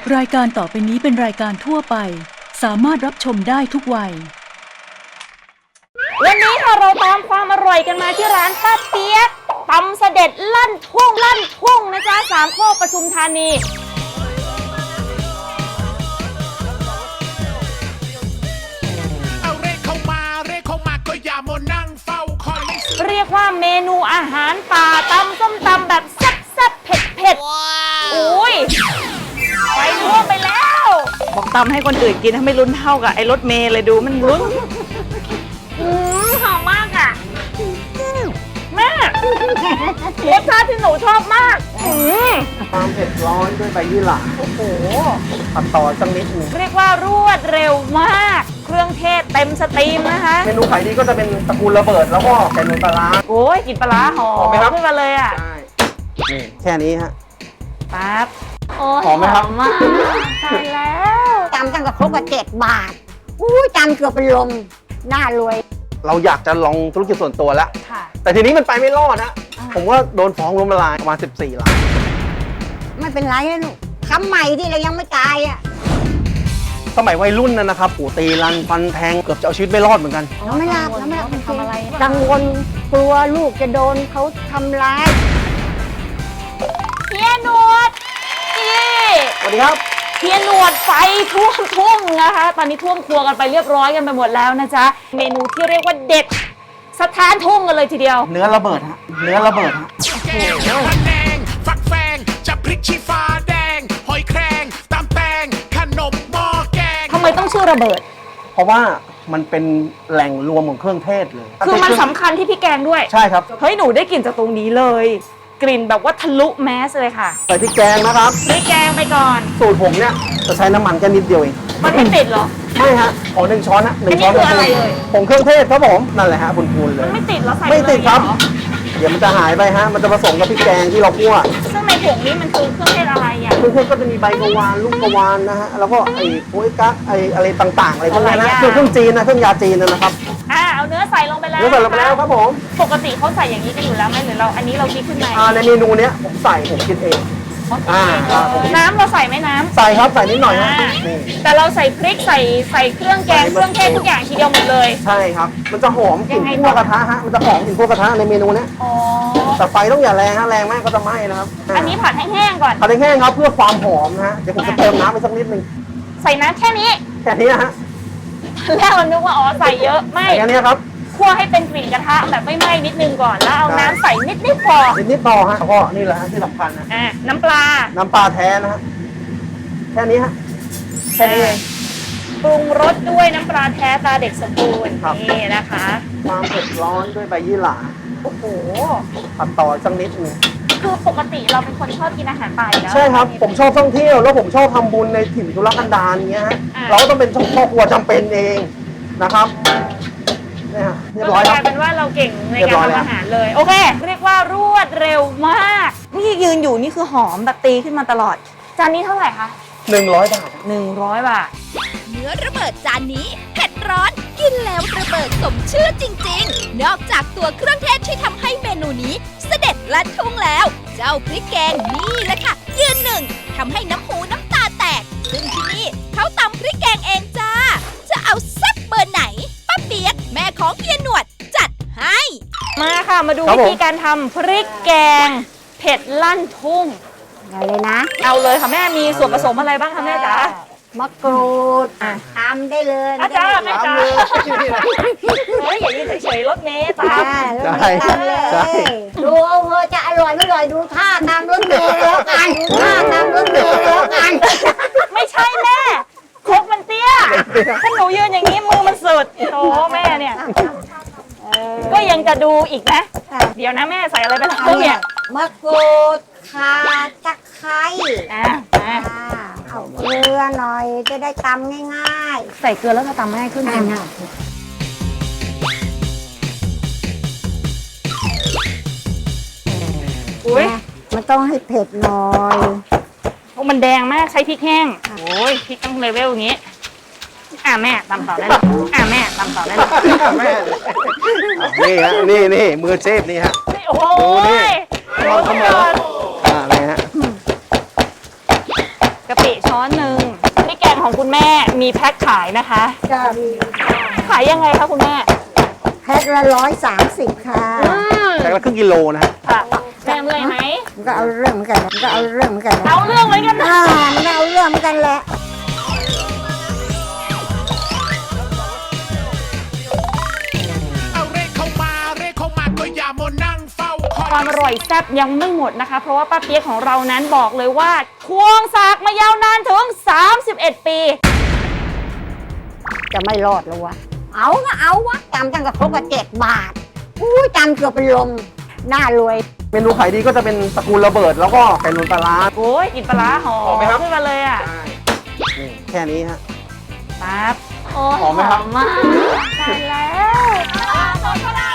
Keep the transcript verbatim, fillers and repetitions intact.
รายการต่อไปนี้เป็นรายการทั่วไปสามารถรับชมได้ทุกวัยวันนี้ค่ะเราตามความอร่อยกันมาที่ร้านป้าเปี๊ยกตำเสด็จลั่นทุ่งลั่นทุ่งนะจ๊ะสามโคกปทุมธานีเอาเรียกเข้ามาเรียกเข้ามาก็อย่ามานั่งเฝ้าคอยเรียกว่าเมนูอาหารป่าตำส้มตำแบบแซ่บๆเผ็ดๆอุ้ยไปท่วมไปแล้วบอกตำให้คนอื่นกินถ้าไม่ลุ้นเท่ากับไอ้รถเมล์เลยดูมันลุ้นอืมหอมมากอ่ะแม่รสชาติที่หนูชอบมากอืมความเผ็ดร้อนด้วยใบยี่หร่าโอ้โหตัดต่อสักนิดหนึ่งเรียกว่ารวดเร็วมากเครื่องเทศเต็มสตรีมนะคะเมนูขายดีก็จะเป็นตระกูลระเบิดแล้วก็ไก่นมปลาร้าโอ้ยกลิ่นปลาร้าหอมขึ้นมาเลยอ่ะใช่นี่แค่นี้ฮะปั๊บโอ้หอมไหมครับมากตายแล้วจำตั้งแต่ครบว่าเจ็ดบาทอู้จำเกือบเป็นลมน่ารวยเราอยากจะลองธุรกิจส่วนตัวแล้วแต่ทีนี้มันไปไม่รอดนะผมว่าโดนฟ้องล้มละลายประมาณสิบสี่ล้านไม่เป็นไรลูกทำใหม่ที่เรายังไม่ตายอ่ะสมัยวัยรุ่นนั่นนะครับปู่ตีรันฟันแทงเกือบจะเอาชีวิตไม่รอดเหมือนกันเราไม่รับเราไม่รับทำอะไรกังวลกลัวลูกจะโดนเขาทำร้ายเฮียหนวดนี่สวัสดีครับเฮียหนวดไฟท่วมทุ่งนะคะตอนนี้ท่วมครัวกันไปเรียบร้อยกันไปหมดแล้วนะจ๊ะเมนูที่เรียกว่าเด็ดสถานทุ่งกันเลยทีเดียวเนื้อระเบิดฮะเนื้อระเบิดฮะแกงพะแนงฟักแฟงจะพริกชี้ฟ้าแดงหอยแครงตำแตงขนมหม้อแกงทำไมต้องชื่อระเบิดเพราะว่ามันเป็นแหล่งรวมของเครื่องเทศเลยคือมันสำคัญที่พี่แกงด้วยใช่ครับเฮ้ยหนูได้กลิ่นจากตรงนี้เลยกลิ่นแบบว่าทะลุแมสเลยค่ะใส่พริกแกงนะครับพริกแกงไปก่อนสูตรผมเนี่ยจะใช้น้ำมันแค่นิดเดียวเองมันไม่ติดหรอไม่ฮะขอหนึ่งช้อนนะหนึ่งช้อนคืออะไรเลยผงเครื่องเทศครับผมนั่นแหละฮะพูนๆเลยมันไม่ติดแล้วใส่ไม่ติดครับเดี๋ยวมันจะหายไปฮะมันจะผสมกับพริกแกงที่เราคั่วซึ่งในผงนี้มันคือเครื่องเทศอะไรอ่ะเครื่องเทศก็จะมีใบกะวานลูกกะวานนะฮะแล้วก็ไอ้โป๊ยกั๊กไอ้อะไรต่างๆอะไรพวกนี้นะคือเครื่องจีนนะเครื่องยาจีนนะครับอ่าเอาเนื้อใส่ลงไปแล้วเนื้อใส่ลงไปแล้วครับผมปกติเขาใส่อย่างนี้กันอยู่แล้วไหมหรือเราอันนี้เราคิดขึ้นมาอ่าในเมนูเนี้ยผมใส่ผมคิดเองอ่าน้ำเราใส่ไหมน้ำใส่ครับใส่นิดหน่อยฮะแต่เราใส่พริกใส่ใส่เครื่องแกงเครื่องเทศทุกอย่างทีเดียวหมดเลยใช่ครับมันจะหอมกลิ่นคั่วกระทะฮะมันจะหอมกลิ่นคั่วกระทะในเมนูเนี้ยอ๋อแต่ไฟต้องอย่าแรงฮะแรงมากก็จะไหม้นะครับอันนี้ผัดให้แห้งก่อนผัดให้แห้งครับเพื่อความหอมนะฮะเดี๋ยวผมจะเติมน้ำไปสักนิดนึงใส่น้ำแค่นี้แค่นี้นะฮะแรกเรานึกว่าอ๋อใส่เยอะไม่แค่นี้ครับคั่วให้เป็นกลิ่นกระทะแบบไม่ไหม้นิดนึงก่อนแล้วเอาน้ำใส่นิดนิดพอนิดนิดพอฮะก็นี่แหละที่สำคัญนะอ่าน้ำปลาน้ำปลาแท้นะฮะแค่นี้ฮะแค่นี้เองปรุงรสด้วยน้ำปลาแท้ตาเด็กสมบูรณ์นี่นะคะความเผ็ดร้อนด้วยใบยี่หร่าโอ้โหตัดต่อสักนิดนึงคือปกติเราเป็นคนชอบกินอาหารป่าแล้วใช่ครับผมชอบท่องเที่ยวแล้วผมชอบทำบุญในถิ่นทุรกันดารเงี้ยฮะเราก็ต้องเป็นครอบครัวจำเป็นเองนะครับเรียบร้อยกลายเป็นว่าเราเก่งในการทำอาหารเลยโอเคเรียกว่ารวดเร็วมากนี่ยืนอยู่นี่คือหอมแบบตีขึ้นมาตลอดจานนี้เท่าไหร่คะหนึ่งร้อยบาทหนึ่งร้อยบาทเนื้อระเบิดจานนี้เผ็ดร้อนกินแล้วระเบิดสมชื่อจริงๆนอกจากตัวเครื่องเทศที่ทำให้เมนูนี้เสด็จลั่นทุ่งแล้วเจ้าพริกแกงนี่แหละค่ะยืนหนึ่งทำให้น้ำหูน้ำตาแตกซึ่งที่นี่เขาตำพริกแกงเองจ้าจะเอาแซ่บเบอร์ไหนป้าเปี๊ยกแม่ของเฮียหนวดจัดให้มาค่ะมาดูวิธีการทำพริกแกงเผ็ดลั่นทุ่งเอาเลยนะเอาเลยค่ะแม่มีส่วนผสมอะไรบ้างคะแม่จ๋ามะกรูดทำได้เลยอาจารย์แม่จ๋าเฮ้ยอย่ายืนเฉยๆรถเมล์ตามได้เลยดูเอาเธอจะอร่อยไม่อร่อยดูท่าตามรถเมล์แล้วกันดูท่าตามรถเมล์แล้วกันไม่ใช่แม่ครกมันเตี้ยถ้าหนูยืนอย่างนี้มือมันสุดโธ่แม่เนี่ยก็ยังจะดูอีกนะเดี๋ยวนะแม่ใส่อะไรไปแล้วเนี่ยมะกรูดข่าตะไคร้อ่าเอาเกลือหน่อยจะได้ตำง่ายๆใส่เกลือแล้วจะตำง่ายขึ้นใช่ไหมอุ้ยมันต้องให้เผ็ดหน่อยโอ้มันแดงมากใช้พริกแห้งโอ้ยพริกต้องเลเวลอย่างนี้อ่ะแม่ตำต่อได้เลยอ่ะแม่ตำต่อได้เลยแม่นี่ฮะนี่นี่มือเชฟนี่ฮะโอ้ยลองทำมาอ่านี่ฮะกะปิช้ช้อนหนึ่งพริกแกงของคุณแม่มีแพ็คขายนะคะจะมีขายยังไงคะคุณแม่แพ็คละร้อยสามสิบค่ะแต่ละครึ่งกิโลนะฮะค่ะแม่เมื่อยไหมมันก็เอาเรื่องเหมือนกันนะมันก็เอาเรื่องเหมือนกันนะเอาเรื่องเหมือนกันนะอ่ามันก็เอาเรื่องเหมือนกันแหละเอาเรขเข้ามาเรขเข้ามาก็อย่ามานั่งเฝ้าคอยความอร่อยแซ่บยังไม่หมดนะคะ เพราะว่าป้าเปี๊ยกของเรานั้นบอกเลยว่าควงสากมายาวนานถึงสามสิบเอ็ดปีจะไม่รอดแล้ววะเอาก็เอาวะจำตั้งแต่ครบกับเจ็ดบาทอู้จำเกือบเป็นลมน่ารวยเมนูขายดีก็จะเป็นตระกูลระเบิดแล้วก็เป็นนุ่นปลาร้าโอ้ยกลินปลาร้าหอหอมไหมครับขึ้นมาเลยอ่ะนี่แค่นี้ฮะปั๊บโอ้ยหอมไหมครับมากตายแล้ว